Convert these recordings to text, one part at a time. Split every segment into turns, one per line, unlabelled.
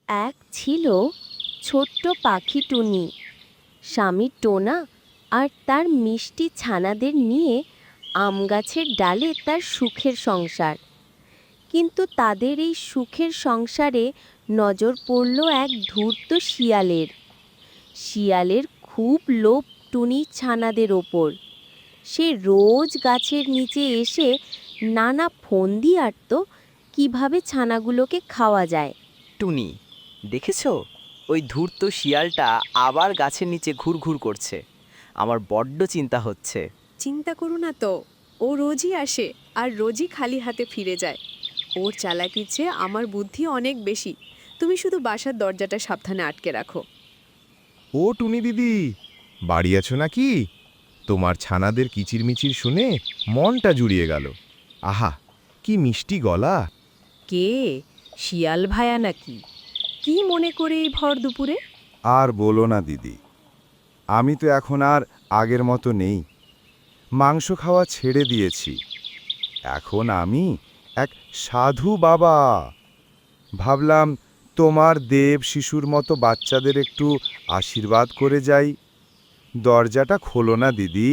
এক ছিল ছোট্ট পাখি টুনি। স্বামী টোনা আর তার মিষ্টি ছানাদের নিয়ে আম গাছের ডালে তার সুখের সংসার। কিন্তু তাদের এই সুখের সংসারে নজর পড়ল এক ধূর্ত শিয়ালের। শিয়ালের খুব লোভ টুনির ছানাদের ওপর। সে রোজ গাছের নিচে এসে নানা ফন্দি আঁটত কিভাবে ছানাগুলোকে খাওয়া যায়।
টুনি, দেখেছো? ওই ধূর্ত শিয়ালটা আবার গাছের নিচে ঘুরঘুর করছে। আমার বড্ড চিন্তা হচ্ছে।
চিন্তা করো না তো, ও রোজই আসে আর রোজই খালি হাতে ফিরে যায়। ওর চালাকির চেয়ে আমার বুদ্ধি অনেক বেশি। তুমি শুধু বাসার দরজাটা সাবধানে আটকে রাখো।
ও টুনি দিদি, বাড়ি আছো নাকি? তোমার ছানাদের কিচিরমিচির শুনে মনটা জুড়িয়ে গেল। আহা, কি মিষ্টি গলা!
কে? শিয়াল ভায়া নাকি? কি মনে করে এই ভর দুপুরে?
আর বলো না দিদি, আমি তো এখন আর আগের মতো নেই। মাংস খাওয়া ছেড়ে দিয়েছি। এখন আমি এক সাধু বাবা। ভাবলাম তোমার দেব শিশুর মতো বাচ্চাদের একটু আশীর্বাদ করে যাই। দরজাটা খোলো না দিদি।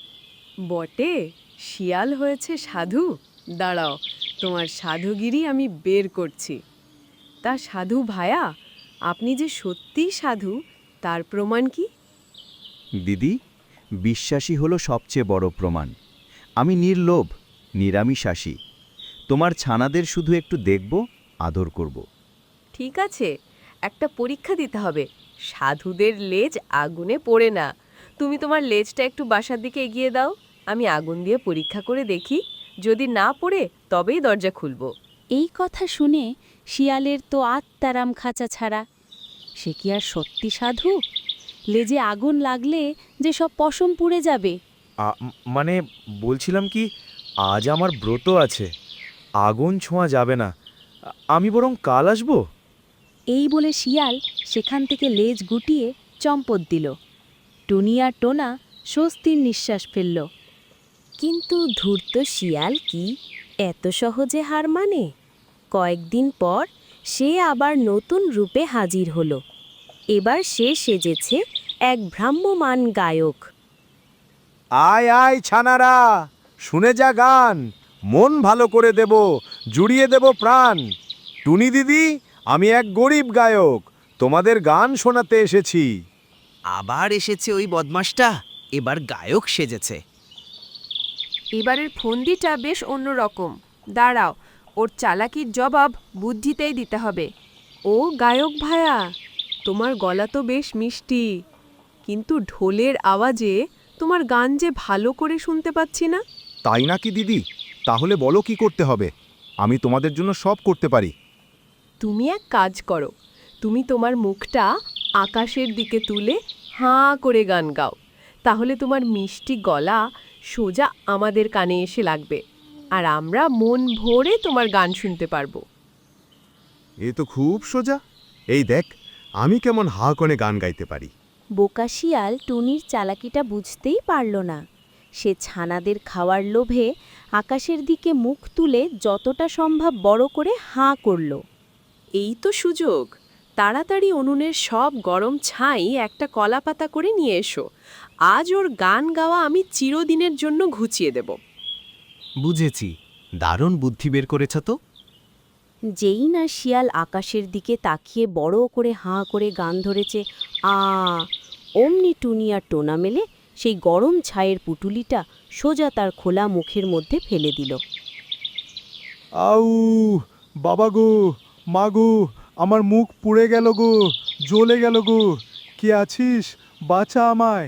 বটে, শিয়াল হয়েছে সাধু? দাঁড়াও, তোমার সাধুগিরি আমি বের করছি। তা সাধু ভায়া, আপনি যে সত্যিই সাধু, তার প্রমাণ কি?
দিদি, বিশ্বাসী হলো সবচেয়ে বড় প্রমাণ। আমি নির্লোভ, নিরামিষাশী। তোমার ছানাদের শুধু একটু দেখব, আদর করব।
ঠিক আছে, একটা পরীক্ষা দিতে হবে। সাধুদের লেজ আগুনে পড়ে না। তুমি তোমার লেজটা একটু বাসার দিকে এগিয়ে দাও। আমি আগুন দিয়ে পরীক্ষা করে দেখি। যদি না পড়ে তবেই দরজা খুলব।
এই কথা শুনে শিয়ালের তো আত্মারাম খাঁচা ছাড়া। সে কি আর সত্যি সাধু? লেজে আগুন লাগলে যে সব পশম পুড়ে যাবে।
মানে বলছিলাম কি, আজ আমার ব্রত আছে, আগুন ছোঁয়া যাবে না। আমি বরং কাল আসবো।
এই বলে শিয়াল সেখান থেকে লেজ গুটিয়ে চম্পট দিল। টুনি আর টোনা স্বস্তির নিঃশ্বাস ফেলল। কিন্তু ধূর্ত শিয়াল কি এত সহজে হার মানে? কয়েকদিন পর সে আবার নতুন রূপে হাজির হলো। এবার সে সেজেছে এক ভ্রাম্যমান গায়ক।
আয় আয় ছানারা, শুনে যা গান, মন ভালো করে দেব, জুড়িয়ে দেব প্রাণ। টুনি দিদি, আমি এক গরিব গায়ক, তোমাদের গান শোনাতে এসেছি।
আবার এসেছে ওই বদমাসটা, এবার গায়ক সেজেছে।
এবারের ফন্দিটা বেশ অন্যরকম। দাঁড়াও, ওর চালাকির জবাব বুদ্ধিতেই দিতে হবে। ও গায়ক ভায়া, তোমার গলা তো বেশ মিষ্টি, কিন্তু ঢোলের আওয়াজে তোমার গান যে ভালো করে শুনতে পাচ্ছি না।
তাই নাকি দিদি? তাহলে বলো কি করতে হবে? আমি তোমাদের জন্য সব করতে পারি।
তুমি এক কাজ করো, তুমি তোমার মুখটা আকাশের দিকে তুলে হাঁ করে গান গাও। তাহলে তোমার মিষ্টি গলা সোজা আমাদের কানে এসে লাগবে, আর আমরা মন ভরে তোমার গান শুনতে পারবো।
এ তো খুব সোজা। এই দেখ, আমি কেমন হা করে গান গাইতে পারি।
বোকা শিয়াল টুনির চালাকিটা বুঝতেই পারল না। সে ছানাদের খাওয়ার লোভে আকাশের দিকে মুখ তুলে যতটা সম্ভব বড় করে হাঁ করল।
এই তো সুযোগ। তাড়াতাড়ি উনুনের সব গরম ছাই একটা কলাপাতা করে নিয়ে এসো। আজ ওর গান গাওয়া আমি চিরদিনের জন্য ঘুচিয়ে দেব।
বুঝেছি, দারুণ বুদ্ধি বের করেছ তো।
যেই না শিয়াল আকাশের দিকে তাকিয়ে বড় করে হাঁ করে গান ধরেছে, অমনি টুনি আর টোনা মেলে সেই গরম ছায়ের পুটুলিটা সোজা তার খোলা মুখের মধ্যে ফেলে দিল।
আউ, বাবা গো, মা গো, আমার মুখ পুড়ে গেল গো, জ্বলে গেল গো। কে আছিস? বাঁচা আমায়।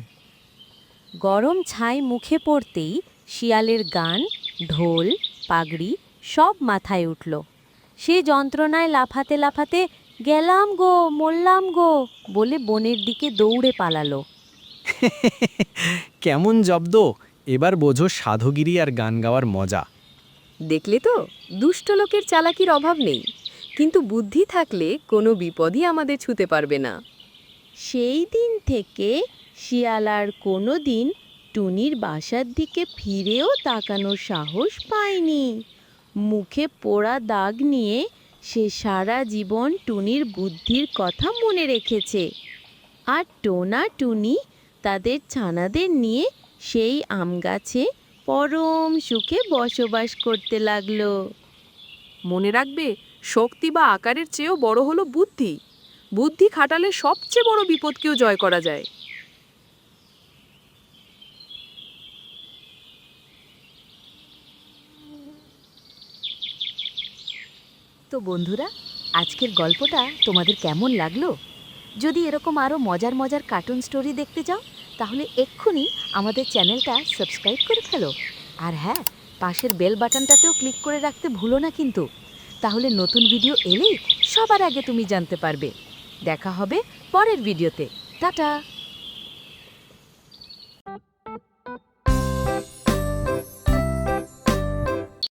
গরম ছাই মুখে পড়তেই শিয়ালের গান, ঢোল, পাগড়ি সব মাথায় উঠল। সে যন্ত্রণায় লাফাতে লাফাতে গেলাম গো, মরলাম গো বলে বনের দিকে দৌড়ে পালালো।
কেমন জব্দ! এবার বোঝো সাধুগিরি আর গান গাওয়ার মজা।
দেখলে তো, দুষ্ট লোকের চালাকির অভাব নেই, কিন্তু বুদ্ধি থাকলে কোনো বিপদই আমাদের ছুঁতে পারবে না।
সেই দিন থেকে শিয়াল আর কোনো দিন টুনির বাসার দিকে ফিরেও তাকানোর সাহস পায়নি। মুখে পোড়া দাগ নিয়ে সে সারা জীবন টুনির বুদ্ধির কথা মনে রেখেছে। আর টোনা টুনি তাদের ছানাদের নিয়ে সেই আম গাছে পরম সুখে বসবাস করতে লাগলো।
মনে রাখবে, শক্তি বা আকারের চেয়েও বড় হলো বুদ্ধি। বুদ্ধি খাটালে সবচেয়ে বড় বিপদকেও জয় করা যায়।
তো বন্ধুরা, আজকের গল্পটা তোমাদের কেমন লাগলো? যদি এরকম আরও মজার মজার কার্টুন স্টোরি দেখতে চাও, তাহলে এক্ষুনি আমাদের চ্যানেলটা সাবস্ক্রাইব করে ফেলো। আর হ্যাঁ, পাশের বেল বাটনটাতেও ক্লিক করে রাখতে ভুলো না কিন্তু। তাহলে নতুন ভিডিও এলেই সবার আগে তুমি জানতে পারবে। দেখা হবে পরের ভিডিওতে। টাটা।